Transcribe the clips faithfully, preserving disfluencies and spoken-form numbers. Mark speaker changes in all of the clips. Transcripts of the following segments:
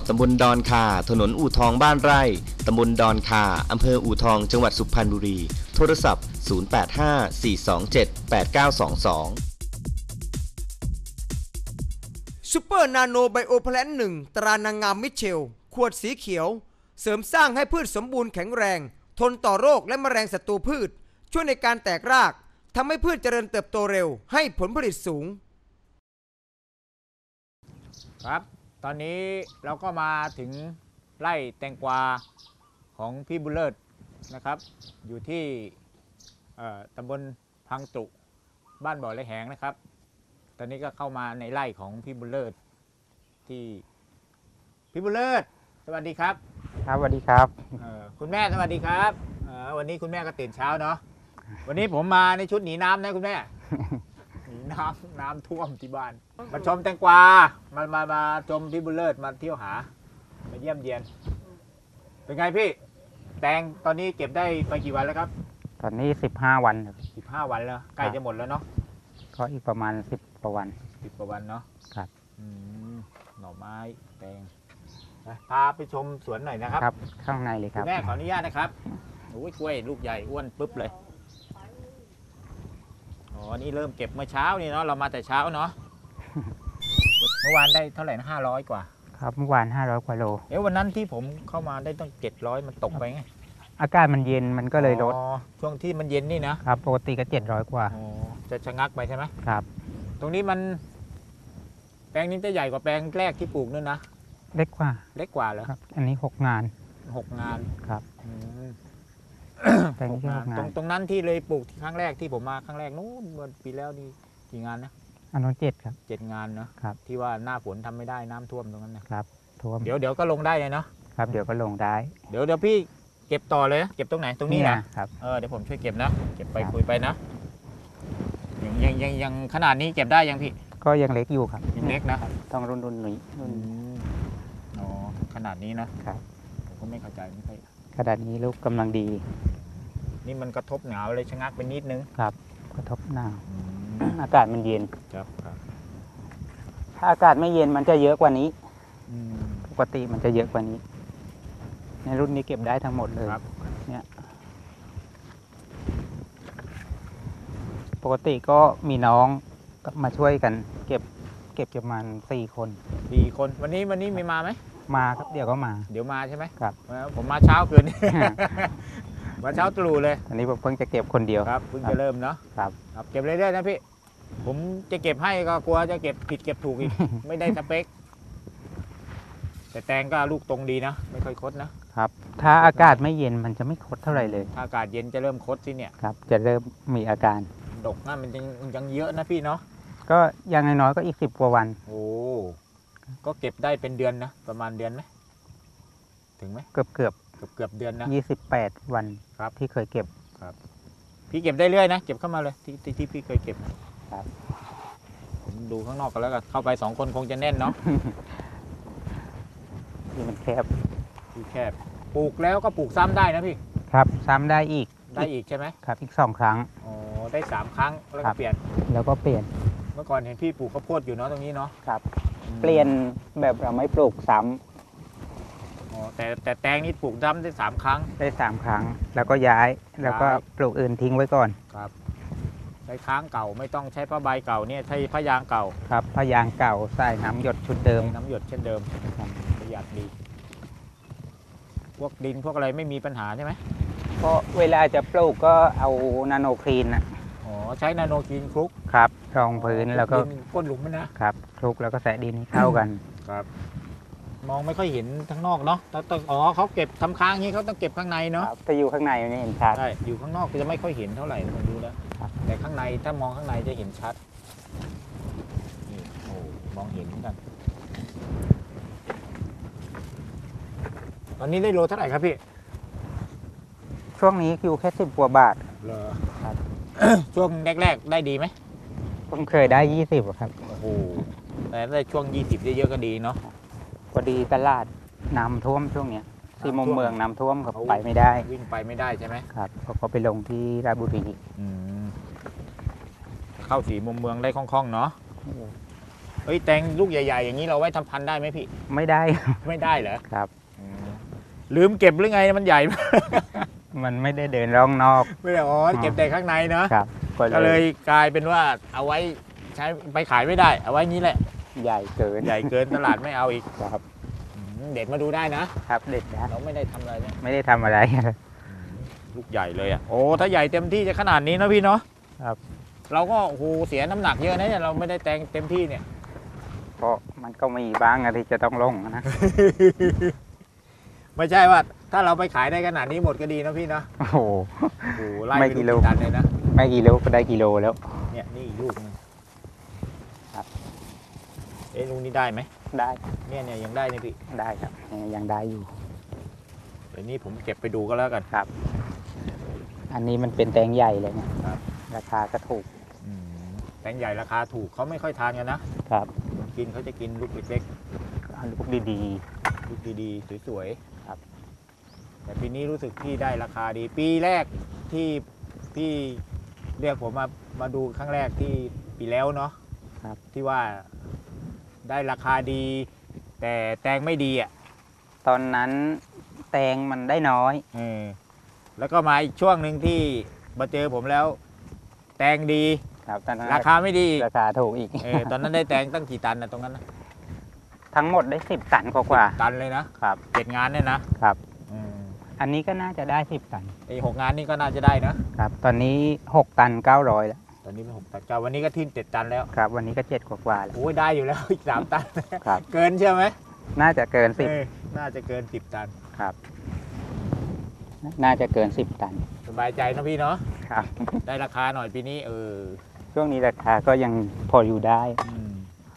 Speaker 1: ตำบลดอนคาถนนอู่ทองบ้านไร่ตำบลดอนคาอำเภออู่ทองจังหวัดสุพรรณบุรีโทรศัพท์ศูนย์ แปด ห้า สี่ สอง เจ็ด แปด เก้า สอง สอง
Speaker 2: ซูเปอร์นาโนไบโอแพลนหนึ่งตรานางงามมิเชลขวดสีเขียวเสริมสร้างให้พืชสมบูรณ์แข็งแรงทนต่อโรคและแมลงศัตรูพืชช่วยในการแตกรากทำให้พืชเจริญเติบโตเร็วให้ผลผลิตสูง
Speaker 3: ครับตอนนี้เราก็มาถึงไร่แตงกวาของพี่บุญเลิศนะครับอยู่ที่ตำบลพังตุบ้านบ่อไรแหงนะครับตอนนี้ก็เข้ามาในไร่ของพี่บุญเลิศที่พี่บุญเลิศสวัสดีครับ
Speaker 4: ครับสวัสดีครับ
Speaker 3: คุณแม่สวัสดีครับวันนี้คุณแม่ก็ตื่นเช้าเนาะวันนี้ผมมาในชุดหนีน้ำนะคุณแม่หนีน้ำน้ำท่วมที่บ้านมาชมแตงกวามามามาชมพี่บุญเลิศมาเที่ยวหามาเยี่ยมเยียนเป็นไงพี่แตงตอนนี้เก็บได้ไปกี่วันแล้วครับ
Speaker 4: ตอนนี้สิบห้าวันครับ
Speaker 3: สิบห้าวันแล้วใกล้จะหมดแล้วเนาะ
Speaker 4: ก็อีกประมาณสิบกว่าวัน
Speaker 3: สิบกว่าวันเนาะ
Speaker 4: ครับ
Speaker 3: หน่อไม้แตงพาไปชมสวนหน่อยนะครับ
Speaker 4: ครับข้างในเลยครับ
Speaker 3: แม่ขออนุญาตนะครับโอ้ยกล้วยลูกใหญ่อ้วนปุ๊บเลยอ๋อนี่เริ่มเก็บเมื่อเช้านี่เนาะเรามาแต่เช้าเนาะเมื่อวานได้เท่าไหร่นะห้าร้อยกว่า
Speaker 4: ครับเมื่อวานห้าร้อยกว่าโล
Speaker 3: เอ๊ะวันนั้นที่ผมเข้ามาได้ต้องเจ็ดร้อยมันตกไปไง
Speaker 4: อากาศมันเย็นมันก็เลยลด
Speaker 3: ช่วงที่มันเย็นนี่นะครับ
Speaker 4: ปกติก็เจ็ดร้อยกว่า
Speaker 3: จะชะงักไปใช่ไหม
Speaker 4: ครับ
Speaker 3: ตรงนี้มันแปลงนี้จะใหญ่กว่าแปลงแรกที่ปลูกนั่นนะ
Speaker 4: เล็กกว่า
Speaker 3: เล็กกว่าเหรอ
Speaker 4: ครับอันนี้หกงาน
Speaker 3: หกงาน
Speaker 4: ครับ
Speaker 3: แปลงนี้หกงานตรงตรงนั้นที่เลยปลูกที่ครั้งแรกที่ผมมาครั้งแรกนู้นเมื่อปีแล้วนี่กี่งานนะ
Speaker 4: อันนั้นเจ็ดครับ
Speaker 3: เจ็ดงานเนาะ
Speaker 4: ครับ
Speaker 3: ที่ว่าหน้าฝนทำไม่ได้น้ำท่วมตรงนั้น
Speaker 4: นะครับท่วม
Speaker 3: เดี๋ยวเดี๋ยวก็ลงได้เลยเนาะ
Speaker 4: ครับเดี๋ยวก็ลงได้
Speaker 3: เดี๋ยวเดี๋ยวพี่เก็บต่อเลยเก็บตรงไหนตรงนี้นะครับเออเดี๋ยวผมช่วยเก็บนะเก็บไปคุยไปนะยังยังยังยังขนาดนี้เก็บได้ยังพี่
Speaker 4: ก็ยังเล็กอยู่ครับ
Speaker 3: ยังเล็กนะ
Speaker 4: ต้องรุ่นรุ่นนี้รุ่น
Speaker 3: อ๋อขนาดนี้นะครับผมก็ไม่เข้าใจไม่ค่อย
Speaker 4: ขนาดนี้ลูกกำลังดี
Speaker 3: นี่มันกระทบหนาวเลยชะงักไปนิดนึง
Speaker 4: ครับกระทบหนาวอากาศมันเย็น
Speaker 3: ครับครับ
Speaker 4: ถ้าอากาศไม่เย็นมันจะเยอะกว่านี้ปกติมันจะเยอะกว่านี้ในรุ่นนี้เก็บได้ทั้งหมดเลยเนี่ยปกติก็มีน้องมาช่วยกันเก็บเก็บประมาณสี่คน
Speaker 3: สี่คนวันนี้วันนี้มีมาไหม
Speaker 4: มาครับเดี๋ยวก็มา
Speaker 3: เดี๋ยวมาใช่ไหม
Speaker 4: ครับ
Speaker 3: ผมมาเช้าคืนมาเช้าตรู่เลย
Speaker 4: อันนี้ผมเพิ่งจะเก็บคนเดียว
Speaker 3: ครับเพิ่งจะเริ่มเนาะ
Speaker 4: ครับ
Speaker 3: ครับเก็บเรื่อยๆนะพี่ผมจะเก็บให้ก็กลัวจะเก็บผิดเก็บถูกอีกไม่ได้สเปคแต่แตงก็ลูกตรงดีนะไม่ค่อยคดนะครับ
Speaker 4: ถ้าอากาศไม่เย็นมันจะไม่คดเท่าไหร่เลย
Speaker 3: ถ้าอากาศเย็นจะเริ่มคดสิเนี่ย
Speaker 4: ครับจะเริ่มมีอาการ
Speaker 3: ดกนะมันยังยังเยอะนะพี่เนาะ
Speaker 4: ก็ยังน้อยๆก็อีกสิบกว่าวัน
Speaker 3: โอ้ก็เก็บได้เป็นเดือนนะประมาณเดือนไหมถึงไหม
Speaker 4: เกือบเกือบ
Speaker 3: เกือบเกือบเดือนนะ
Speaker 4: ยี่สิบแปดวันครับที่เคยเก็บ
Speaker 3: ครับพี่เก็บได้เรื่อยนะเก็บเข้ามาเลยที่ที่พี่เคยเก็บ
Speaker 4: ครับ
Speaker 3: ผมดูข้างนอกกันแล้วกันเข้าไปสองคนคงจะแน่นเนาะ
Speaker 4: ที่มันแคบ
Speaker 3: ที่แคบปลูกแล้วก็ปลูกซ้ำได้นะพี่
Speaker 4: ครับซ้ำได้อีก
Speaker 3: ได้อีกใช่ไหม
Speaker 4: ครับอีกสองครั้ง
Speaker 3: อ๋อได้สามครั้งแล้วก็เปลี่ยน
Speaker 4: แล้วก็เปลี่ยน
Speaker 3: เมื่อก่อนเห็นพี่ปลูกข้าวโพดอยู่เนาะตรงนี้เนาะ
Speaker 4: ครับเปลี่ยนแบบเราไม่ปลูกซ้
Speaker 3: ำอ๋อแต่แต่แตงนี่ปลูกซ้ำได้สามครั้ง
Speaker 4: ได้สามครั้งแล้วก็ย้ายแล้วก็ปลูกอื่นทิ้งไว้ก่อน
Speaker 3: ครับใช้ค้างเก่าไม่ต้องใช้ผ้าใบเก่าเนี่ยใช้ผ้ายางเก่า
Speaker 4: ครับผ้ายางเก่าใส่น้ำหยดชุดเดิม
Speaker 3: น้ำหยดเช่นเดิมประหยัดดีพวกดินพวกอะไรไม่มีปัญหาใช่ไหม
Speaker 4: เพราะเวลาจะปลูกก็เอานาโนคลีนนะ
Speaker 3: อ๋อใช้นาโนคลีนคลุก
Speaker 4: ครับรองพื้นแล้วก็
Speaker 3: ก้นหลุมมัน
Speaker 4: นะครับคลุกแล้วก็แสะดินให้เข้ากัน
Speaker 3: ครับมองไม่ค่อยเห็นทั้งนอกเนาะต้องอ๋อเขาเก็บทำค้างนี้เขาต้องเก็บข้างในเนาะ
Speaker 4: ถ้าอยู่ข้างในไม่เห็นชัด
Speaker 3: ใช่อยู่ข้างนอกจะไม่ค่อยเห็นเท่าไหร่ผมดูแล้วแต่ข้างในถ้ามองข้างในจะเห็นชัดนี่โอ้มองเห็นกันตอนนี้ได้โลเท่าไหร่ครับพี่
Speaker 4: ช่วงนี้อยู่แค่สิบกว่าบาท
Speaker 3: เหรอครับช่วงแรกๆได้ดีไหม
Speaker 4: ผมเคยได้ยี่สิบครับ
Speaker 3: โอ้โหแต่ได้ช่วงยี่สิบเยอะๆก็ดีเนาะ
Speaker 4: พอดีตลาดน้ำท่วมช่วงเนี้ยที่มุมเมืองน้ำท่วมเขาไปไม่ได้
Speaker 3: วิ่งไปไม่ได้ใช่ไหม
Speaker 4: ครับเขาก็ไปลงที่ราชบุรี
Speaker 3: เข้าสีมุมเมืองได้คล่องๆเนาะเอ้ยแตงลูกใหญ่ๆอย่างนี้เราไว้ทำพันธุ์ได้ไหมพี่
Speaker 4: ไม่ได้
Speaker 3: ไม่ได้เหรอ
Speaker 4: ครับ
Speaker 3: อืมลืมเก็บหรือไงมันใหญ่
Speaker 4: มันไม่ได้เดินร่องนอก
Speaker 3: ไม่ได้อ๋อเก็บแต่ข้างในเนาะ
Speaker 4: ครับ
Speaker 3: ก็เลยกลายเป็นว่าเอาไว้ใช้ไปขายไม่ได้ เอาไว้งี้แหละ
Speaker 4: ใหญ่เกิน
Speaker 3: ใหญ่เกินตลาดไม่เอาอีก
Speaker 4: ครับ
Speaker 3: อืมเด็ดมาดูได้นะครับ
Speaker 4: เด็ดนะ
Speaker 3: เราไม่ได้ทำอะไรเนี่ย
Speaker 4: ไม่ได้ทำอะไร
Speaker 3: ลูกใหญ่เลยอ่ะโอ้ถ้าใหญ่เต็มที่จะขนาดนี้นะพี่เนาะ
Speaker 4: ครับ
Speaker 3: เราก็โอ้โหเสียน้ำหนักเยอะนะเนี่ยเราไม่ได้แตงเต็มที่เนี่ย
Speaker 4: เพราะมันก็มีบ้างอะที่จะต้องลงนะ
Speaker 3: ไม่ใช่ว่าถ้าเราไปขายได้ขนาดนี้หมดก็ดีนะพี่นะ
Speaker 4: โอ้โห
Speaker 3: โอ้โหไล่
Speaker 4: ไม่
Speaker 3: ไป
Speaker 4: กี่
Speaker 3: ดู
Speaker 4: โล
Speaker 3: กี่ตันเลยนะ
Speaker 4: ไม่กี่โลก็ได้กิโลแล้ว
Speaker 3: เนี่ยนี่อีกลูกหนึง
Speaker 4: ครับ
Speaker 3: เอ๊ะลูกนี้ได้ไหม
Speaker 4: ได้
Speaker 3: เนี่ยเนี่ยยังได้นี่พี่
Speaker 4: ได้ครับยังได้อยู่
Speaker 3: เดี๋ยวนี้ผมเก็บไปดูก็แล้วกัน
Speaker 4: ครับ อันนี้มันเป็นแตงใหญ่เลยเนี่ย
Speaker 3: ครับ
Speaker 4: ราคาก็ถูก
Speaker 3: อืมแตงใหญ่ราคาถูกเขาไม่ค่อยทานกันนะครับ คนกินเขาจะกินลูกเล็ก
Speaker 4: เอาลูกดี
Speaker 3: ๆลูกดีๆสวยๆ
Speaker 4: ครับ
Speaker 3: แต่ปีนี้รู้สึกพี่ได้ราคาดี ปีแรกที่พี่เรียกผมมามาดูครั้งแรกที่ปีแล้วเนาะ
Speaker 4: ๆครับ
Speaker 3: ที่ว่าได้ราคาดี แต่แตงไม่ดีอ่ะ
Speaker 4: ตอนนั้นแตงมันได้น้อย
Speaker 3: เออแล้วก็มาอีกช่วงหนึ่งที่มาเจอผมแล้ว แตงดี
Speaker 4: ครับตอนนั้น
Speaker 3: ราคาไม่ดี
Speaker 4: ราคาถูกอีก
Speaker 3: เออตอนนั้นได้แตงตั้งกี่ตันนะตรงนั้นนะ
Speaker 4: ทั้งหมดได้สิบตันกว่า
Speaker 3: ตันเลยนะครับ เจ็ดงานเนี่ยนะครับ อืม
Speaker 4: อันนี้ก็น่าจะได้สิบตัน
Speaker 3: ไอ้หกงานนี่ก็น่าจะได้นะครับ
Speaker 4: ตอนนี้หกตันเก้าร้อยแล้ว
Speaker 3: ตอนนี้เป็นหกตันเก้าวันนี้ก็ทิ้งเจ็ดตันแล้ว
Speaker 4: ครับ วันนี้ก็เจ็ดกว่าๆแล้ว
Speaker 3: โอ้ยได้อยู่แล้ว อีกสามตัน
Speaker 4: ครับ
Speaker 3: เกินใช่ไหม
Speaker 4: น่าจะเกินสิบ
Speaker 3: เออน่าจะเกินสิบตัน
Speaker 4: ครับ น่าจะเกินสิบตัน
Speaker 3: สบายใจนะพี่เนาะ
Speaker 4: ครับ
Speaker 3: ได้ราคาหน่อยปีนี้เออ
Speaker 4: ช่วงนี้ราคาก็ยังพออยู่ได้
Speaker 3: อืม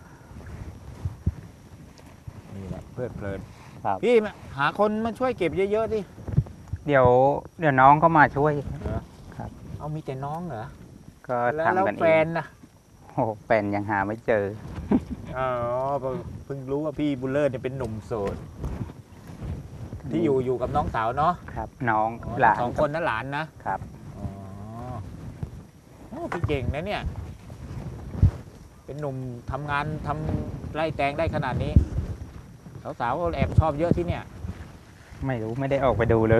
Speaker 3: นี่แหละเพลิดเพลิน
Speaker 4: ครับ
Speaker 3: พี่มาหาคนมาช่วยเก็บเยอะๆดิ
Speaker 4: เดี๋ยวเดี๋ยวน้องก็มาช่วย ครับ
Speaker 3: เอามีแต่น้องเหรอ
Speaker 4: ก็
Speaker 3: แล้วแล้ว
Speaker 4: ทำกัน
Speaker 3: แฟ
Speaker 4: เอง
Speaker 3: นนะ
Speaker 4: โอ้โหแฟนยังหาไม่เจอ
Speaker 3: อ๋อเพิ่งรู้ว่าพี่บุลเลอร์เนี่ยเป็นหนุ่มโสด ที่อยู่อยู่กับน้องสาวเนาะ
Speaker 4: ครับ น้อง
Speaker 3: อ๋อ
Speaker 4: หลาน
Speaker 3: สองคนนะหลานนะครับ อ๋อโอ้พี่เก่งนะเนี่ย เป็นหนุ่มทำงานทำไร่แตงได้ขนาดนี้ สาวๆก็แอบชอบเยอะที่เนี่ย
Speaker 4: ไม่รู้ไม่ได้ออกไปดูเลย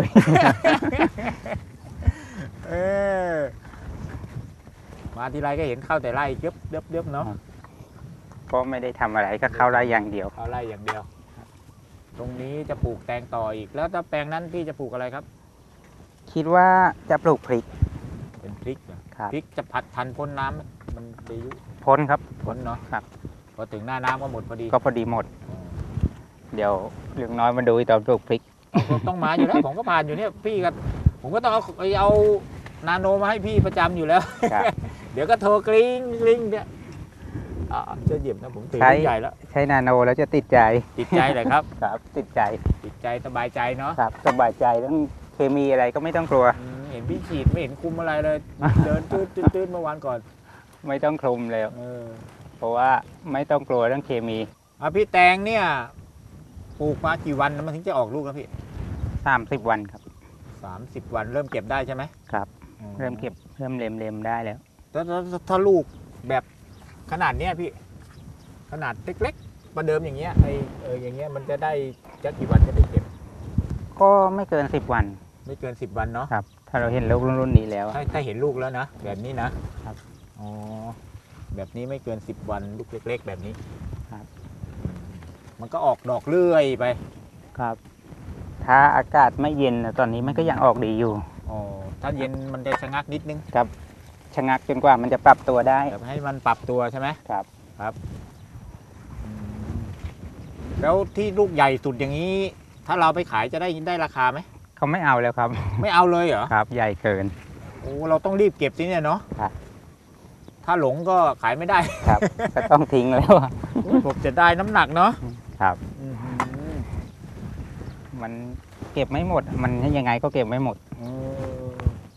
Speaker 3: เออมาทีไรก็เห็นเข้าแต่ไร่เย็บเย็บเย็บเนาะ
Speaker 4: ก็ไม่ได้ทำอะไรก็เข้าไร่อย่างเดียว
Speaker 3: เข้าไร่อย่างเดียว ตรงนี้จะปลูกแตงต่ออีก แล้วถ้าแปลงนั้นพี่จะปลูกอะไรครับ
Speaker 4: คิดว่าจะปลูกพริก
Speaker 3: เป็นพริกเหรอ
Speaker 4: ครับ
Speaker 3: พริกจะผัดทันพ้นน้ำไหมมันจะยุ
Speaker 4: พ้นครับ
Speaker 3: พ้นเนาะ
Speaker 4: ครับ
Speaker 3: พอถึงหน้าน้ำก็หมดพอดี
Speaker 4: ก็พอดีหมด เดี๋ยวเรื่องน้อยมาดูตอนปลูกพริก
Speaker 3: ก็ต้องมาอยู่แล้ว ผมก็ผ่านอยู่เนี่ยพี่ก็ผมก็ต้องเอาเอานาโนมาให้พี่ประจำอยู่แล้ว
Speaker 4: ครับ
Speaker 3: เดี๋ยวก็โทรกริ้งกริ้งเนี่ยอ่าจะเหยียบนะผมถือ
Speaker 4: ใช้
Speaker 3: ลูกใหญ่แล้ว
Speaker 4: ใช้นาโนแล้วจะติดใจ
Speaker 3: ติดใจเลยครับ
Speaker 4: ครับ ติดใจ
Speaker 3: ติดใจสบายใจเนาะ
Speaker 4: ครับสบายใจเรื่องเคมีอะไรก็ไม่ต้องกลัว
Speaker 3: อืมเห็นพี่ฉีดไม่เห็นคุมอะไรเลย เดินตืดตืดตืดเมื่อวานก่อน
Speaker 4: ไม่ต้องคลุมเลย
Speaker 3: เออ
Speaker 4: เพราะว่าไม่ต้องกลัวเรื่องเคมี
Speaker 3: อ่ะพี่แตงเนี่ยปลูกมากี่วันมันถึงจะออกลูกครับพี่
Speaker 4: สามสิบวันครับ
Speaker 3: สามสิบวันเริ่มเก็บได้ใช่ไหม
Speaker 4: ครับ
Speaker 3: อื
Speaker 4: เริ่มเก็บเริ่มเล็มเล็มๆได้แล้ว
Speaker 3: ถ้าถ้าถ้าถ้าลูกแบบขนาดเนี้ยพี่ ขนาดเล็กๆประเดิมอย่างเงี้ยไอเอออย่างเงี้ยมันจะได้จะกี่วันจะได้เก็บ
Speaker 4: ก็ไม่เกินสิบวัน
Speaker 3: ไม่เกินสิบวันเนาะ
Speaker 4: ครับ ถ้าเราเห็นลูกรุ่นนี้แล้ว
Speaker 3: ถ้าถ้าเห็นลูกแล้วนะแบบนี้นะครับ อ๋อแบบนี้ไม่เกินสิบวันลูกเล็ก ๆ แบบนี้
Speaker 4: ครับ
Speaker 3: อืมมันก็ออกดอกเรื่อยไป
Speaker 4: ครับ ถ้าอากาศไม่เย็นนะตอนนี้มันก็ยังออกดีอยู่
Speaker 3: อ๋อถ้าเย็นมันจะชะงักนิดนึง
Speaker 4: ครับชะงักจนกว่ามันจะปรับตัวได้
Speaker 3: แบบให้มันปรับตัวใช่ไหม
Speaker 4: ครับ
Speaker 3: ครับอืมแล้วที่ลูกใหญ่สุดอย่างนี้ ถ้าเราไปขายจะได้ได้ราคาไหม
Speaker 4: เขาไม่เอาแล้วครับ
Speaker 3: ไม่เอาเลยเหรอ
Speaker 4: ครับ ใหญ่เกิน
Speaker 3: โอ้เราต้องรีบเก็บสิเนี่ยเนาะ
Speaker 4: ครับ
Speaker 3: ถ้าหลงก็ขายไม่ได้
Speaker 4: ครับ ก็ต้องทิ้งแล้วอะ
Speaker 3: ผมจะได้น้ำหนักเนาะ
Speaker 4: ครับ
Speaker 3: อื้อหือ
Speaker 4: มันเก็บไม่หมด มันยังไงก็เก็บไม่หมด
Speaker 3: เออ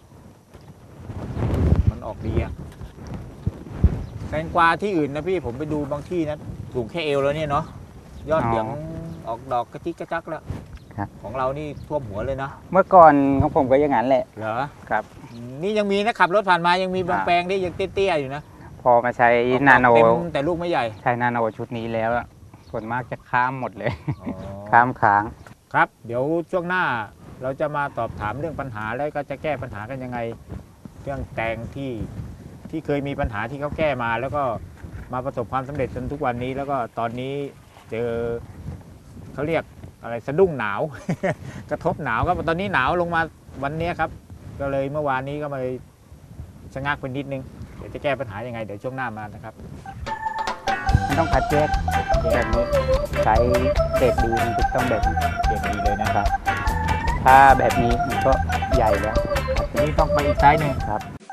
Speaker 3: มันออกดีอะแตงกวาที่อื่นนะพี่ผมไปดูบางที่นะสูงแค่เอวแล้วเนี่ยเนาะยอด
Speaker 4: อ๋อ
Speaker 3: เหลืองออกดอกกระจิกกระจักแล้ว
Speaker 4: ครับ
Speaker 3: ของเรานี่ท่วมหัวเลยนะ
Speaker 4: เมื่อก่อนของผมก็อย่างนั้นแหละ
Speaker 3: เหรอ
Speaker 4: ครับ
Speaker 3: อืมนี่ยังมีนะขับรถผ่านมายังมีบาง
Speaker 4: ครับ
Speaker 3: แปลงที่ยังเตี้ยๆอยู่นะ
Speaker 4: พออมาใช้
Speaker 3: ออกดอก
Speaker 4: นาโน
Speaker 3: เต็มแต่ลูกไม่ใหญ่
Speaker 4: ใช้นาโนชุดนี้แล้วอะส่วนมากจะข้ามหมดเลย
Speaker 3: อ๋อ
Speaker 4: ข้ามค้าง
Speaker 3: ครับ เดี๋ยวช่วงหน้าเราจะมาตอบถามเรื่องปัญหาแล้วก็จะแก้ปัญหากันยังไง เรื่องแตงที่ที่เคยมีปัญหาที่เขาแก้มาแล้วก็มาประสบความสำเร็จจนทุกวันนี้ แล้วก็ตอนนี้เจอเขาเรียกอะไรสะดุ้งหนาว กระทบหนาวครับตอนนี้หนาวลงมาวันนี้ครับ ก็เลยเมื่อวานนี้ก็มาชะงักไปนิดนึงเดี๋ยวจะแก้ปัญหายังไงเดี๋ยวช่วงหน้ามานะครับ
Speaker 4: ไม่ต้องคัดแยกแบบนี้ใช้เกรดดีมันจะต้องแบบนี้
Speaker 3: เก่งดีเลยนะ
Speaker 4: ครับ ถ้าแบบนี้มันก็ใหญ่แล้ว
Speaker 3: ทีนี้ต้องไปอีกไซส์หนึ่ง
Speaker 4: ครับ